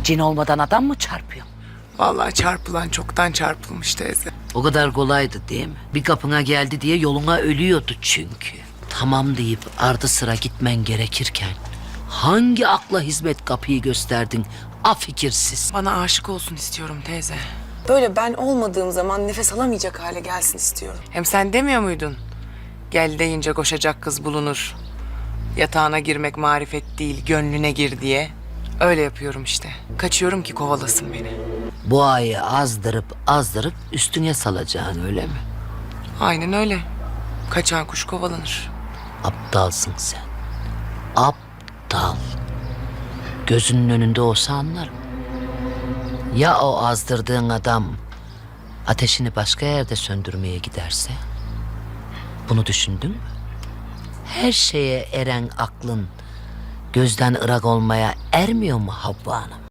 Cin olmadan adam mı çarpıyor? Vallahi çarpılan çoktan çarpılmış teyze. O kadar kolaydı değil mi? Bir kapına geldi diye yoluna ölüyordu çünkü. Tamam deyip ardı sıra gitmen gerekirken hangi akla hizmet kapıyı gösterdin afikirsiz? Bana aşık olsun istiyorum teyze. Böyle ben olmadığım zaman nefes alamayacak hale gelsin istiyorum. Hem sen demiyor muydun? Gel deyince koşacak kız bulunur. Yatağına girmek marifet değil, gönlüne gir diye. Öyle yapıyorum işte. Kaçıyorum ki kovalasın beni. Bu ayı azdırıp üstüne salacaksın öyle mi? Aynen öyle. Kaçan kuş kovalanır. Aptalsın sen. Aptal. Gözünün önünde olsa anlarım. Ya o azdırdığın adam ateşini başka yerde söndürmeye giderse? Bunu düşündün mü? Her şeye eren aklın gözden ırak olmaya ermiyor mu Havva Hanım?